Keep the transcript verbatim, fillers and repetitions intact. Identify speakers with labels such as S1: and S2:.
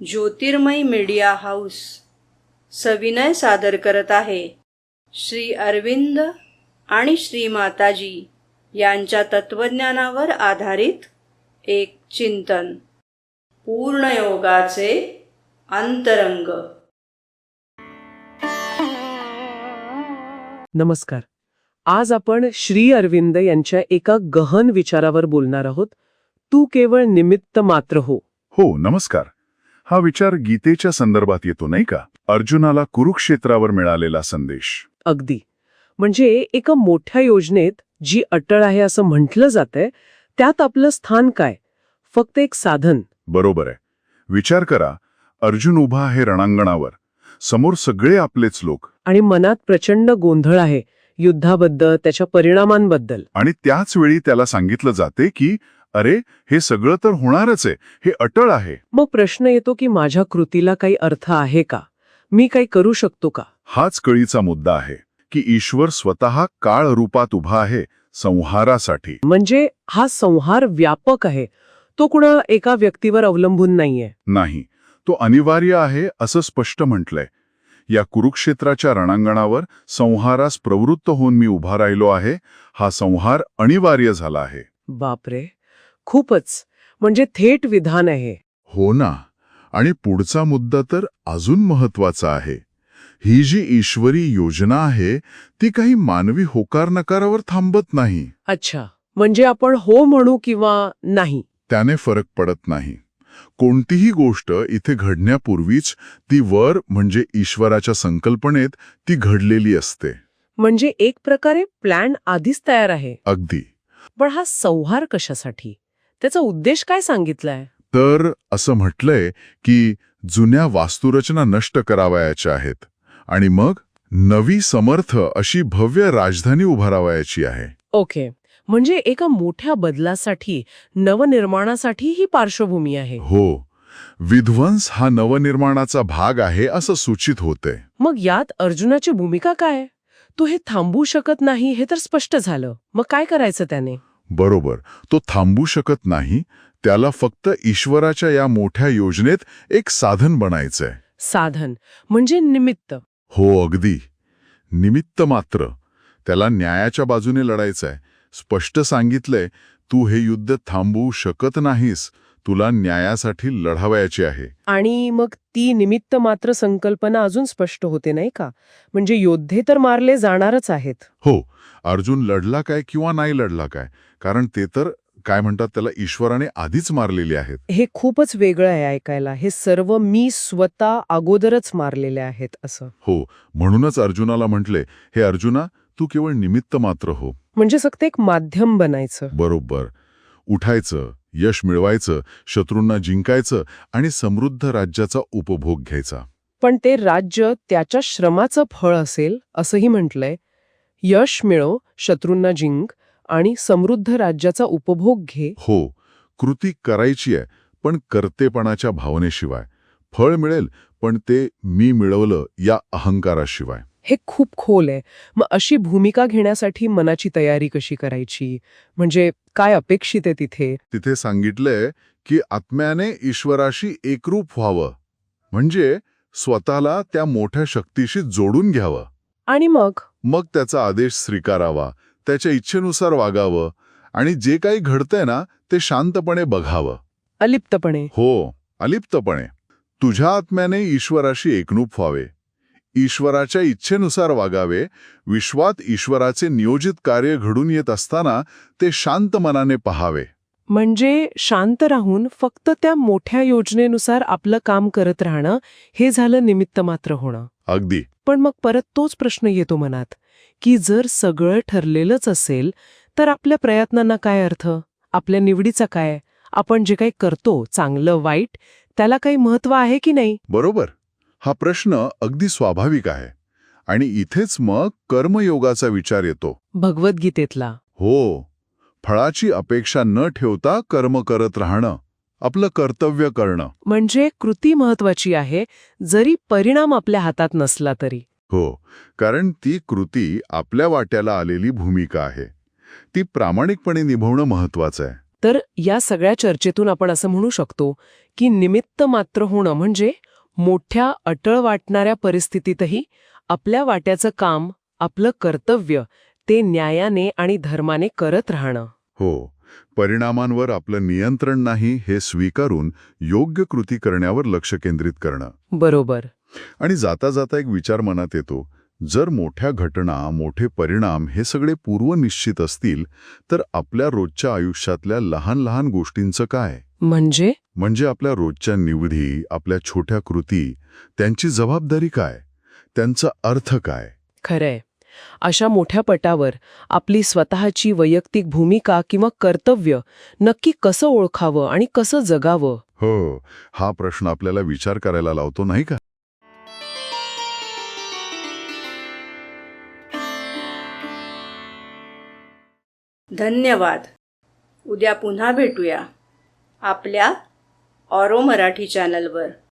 S1: ज्योतिर्मय media house सविनय सादर करत आहे श्री अरविंद आणि श्री माताजी यांच्या तत्वज्ञानावर आधारित एक चिंतन, पूर्णयोगाचे अंतरंग.
S2: नमस्कार. आज आपण श्री अरविंद यांच्या एका गहन विचारावर बोलणार आहोत. तू केवळ निमित्त मात्र हो.
S3: हो, नमस्कार. हा विचार गीतेच्या संदर्भात येतो नाही का? अर्जुनाला कुरुक्षेत्रावर मिळालेला संदेश.
S2: अगदी. म्हणजे एका मोठ्या योजनेत जी अटळ आहे असं म्हटलं जातंय, त्यात आपलं स्थान काय? फक्त एक साधन.
S3: बरोबर आहे. विचार करा, अर्जुन उभा आहे रणांगणावर, समोर सगळे आपलेच लोक,
S2: आणि मनात प्रचंड गोंधळ आहे युद्धाबद्दल, त्याच्या परिणामांबद्दल.
S3: आणि त्याच वेळी त्याला सांगितलं जाते की अरे, हे सगळं तर होणारच आहे, हे अटळ आहे.
S2: मग प्रश्न येतो की माझ्या कृतीला काही अर्थ आहे का? मी काही करू शकतो का?
S3: हाच कळीचा मुद्दा आहे की ईश्वर स्वतः काळ रूपात उभा आहे संहारासाठी.
S2: म्हणजे हा संहार व्यापक आहे, तो कुणा एका व्यक्तीवर अवलंबून नाहीये.
S3: नाही, तो अनिवार्य आहे असं स्पष्ट म्हटलंय. या कुरुक्षेत्राच्या रणांगणावर संहारास प्रवृत्त होऊन मी उभा राहिलो आहे. हा संहार अनिवार्य झाला आहे.
S2: बापरे, खूपच. म्हणजे थेट विधान आहे.
S3: हो ना. आणि पुढचा मुद्दा तर अजून महत्वाचा आहे. ही जी ईश्वरी योजना आहे ती काही मानवी होकार नकारावर थांबत नाही.
S2: अच्छा, म्हणजे आपण हो म्हणू किंवा नाही
S3: त्याने फरक पडत नाही. कोणतीही गोष्ट इथे घडण्यापूर्वीच ती वर म्हणजे ईश्वराच्या संकल्पनेत ती घडलेली असते.
S2: म्हणजे एक प्रकारे प्लॅन आधीच तयार आहे.
S3: अगदी.
S2: पण हा संहार कशासाठी? त्याचा उद्देश काय सांगितलाय?
S3: तर असं म्हटलंय की जुन्या वास्तुरचना नष्ट करावयाच्या आहेत आणि मग नवी समर्थ अशी भव्य राजधानी उभारावयाची आहे.
S2: ओके, म्हणजे एका मोठ्या बदलासाठी, नवनिर्माणासाठी ही पार्श्वभूमी आहे.
S3: हो, विध्वंस हा नवनिर्माणाचा भाग आहे असं सूचित होते.
S2: मग यात अर्जुनाची भूमिका काय? तो हे थांबू शकत नाही हे तर स्पष्ट झालं. मग काय करायचं त्याने?
S3: बरोबर, तो थांबू शकत नाही. त्याला फक्त ईश्वराच्या या मोठ्या योजनेत एक साधन बनायचंय.
S2: साधन म्हणजे निमित्त.
S3: हो, अगदी. निमित्त मात्र. त्याला न्यायाच्या बाजूने लढायचंय. स्पष्ट सांगितलंय, तू हे युद्ध थांबवू शकत नाहीस, तुला न्यायासाठी लढावयाची आहे.
S2: आणि मग ती निमित्त मात्र संकल्पना अजून स्पष्ट होते नाही का? म्हणजे योद्धे तर मारले जाणारच आहेत.
S3: हो, अर्जुन लढला काय किंवा नाही लढला काय, कारण ते तर काय म्हणतात त्याला ईश्वराने आधीच मारलेले आहेत.
S2: हे खूपच वेगळं आहे ऐकायला. हे सर्व मी स्वतः अगोदरच मारलेले आहेत असं.
S3: हो, म्हणूनच अर्जुनाला म्हटले, हे अर्जुना, तू केवळ निमित्त मात्र हो.
S2: म्हणजे फक्त एक माध्यम बनायचं.
S3: बरोबर. उठायचं, यश मिळवायचं, शत्रूंना जिंकायचं आणि समृद्ध राज्याचा उपभोग घ्यायचा.
S2: पण ते राज्य त्याच्या श्रमाचं फळ असेल असंही म्हटलंय. यश मिळव, शत्रूंना जिंक आणि समृद्ध राज्याचा उपभोग घे.
S3: हो, कृती करायची आहे, पण कर्तेपणाच्या भावनेशिवाय. फळ मिळेल, पण ते मी मिळवलं या अहंकाराशिवाय.
S2: हे खूप खोल आहे. मग अशी भूमिका घेण्यासाठी मनाची तयारी कशी करायची? म्हणजे काय अपेक्षित आहे तिथे?
S3: तिथे सांगितलंय की आत्म्याने ईश्वराशी एकरूप व्हावं, म्हणजे स्वतःला त्या मोठ्या शक्तीशी जोडून घ्यावं.
S2: आणि मग
S3: मग त्याचा आदेश स्वीकारावा, त्याच्या इच्छेनुसार वागावं आणि जे काही घडतंय ना ते शांतपणे बघावं.
S2: अलिप्तपणे.
S3: हो, अलिप्तपणे. तुझ्या आत्म्याने ईश्वराशी एकरूप व्हावे, ईश्वराच्या इच्छेनुसार वागावे. विश्वात ईश्वराचे नियोजित कार्य घडून येत असताना ते शांत मनाने पहावे.
S2: म्हणजे शांत राहून फक्त त्या मोठ्या योजनेनुसार आपलं काम करत राहणं, हे झालं निमित्त मात्र होणं.
S3: अगदी.
S2: पण मग परत तोच प्रश्न येतो मनात, की जर सगळं ठरलेलंच असेल तर आपल्या प्रयत्नांना काय अर्थ? आपल्या निवडीचा काय? आपण जे काही करतो, चांगलं वाईट, त्याला काही महत्त्व आहे की नाही?
S3: बरोबर. हा प्रश्न अगदी स्वाभाविक आहे. आणि इथेच मग कर्मयोगाचा विचार येतो.
S2: भगवद्गीतेतला.
S3: हो, फळाची अपेक्षा न ठेवता कर्म करत राहणं, आपलं कर्तव्य करणं.
S2: म्हणजे कृती महत्वाची आहे, जरी परिणाम आपल्या हातात नसला तरी.
S3: हो, कारण ती कृती आपल्या वाट्याला आलेली भूमिका आहे. ती प्रामाणिकपणे निभवणं महत्वाचं आहे.
S2: तर या सगळ्या चर्चेतून आपण असं म्हणू शकतो की निमित्त मात्र होणं म्हणजे मोठ्या अटळ वाटणाऱ्या परिस्थितीतही आपल्या वाट्याचं काम, आपलं कर्तव्य ते न्यायाने आणि धर्माने करत राहणं.
S3: हो, परिणामांवर आपलं नियंत्रण नाही हे स्वीकारून योग्य कृती करण्यावर लक्ष केंद्रित करणं.
S2: बरोबर.
S3: आणि जाता जाता एक विचार मनात येतो, जर मोठ्या घटना, मोठे परिणाम हे सगळे पूर्वनिश्चित असतील, तर आपल्या रोजच्या आयुष्यातल्या लहान लहान गोष्टींचं काय?
S2: म्हणजे
S3: म्हणजे आपल्या रोजच्या निवडी, आपल्या छोट्या कृती, त्यांची जबाबदारी काय? त्यांचा अर्थ काय?
S2: खरंय. अशा मोठ्या पटावर आपली स्वतःची वैयक्तिक भूमिका किंवा कर्तव्य नक्की कसं ओळखावं आणि कसं जगावं?
S3: हो, हा प्रश्न आपल्याला विचार करायला लावतो, नाही का?
S1: धन्यवाद. उद्या पुन्हा भेटूया आपल्या ऑरो मराठी चॅनलवर.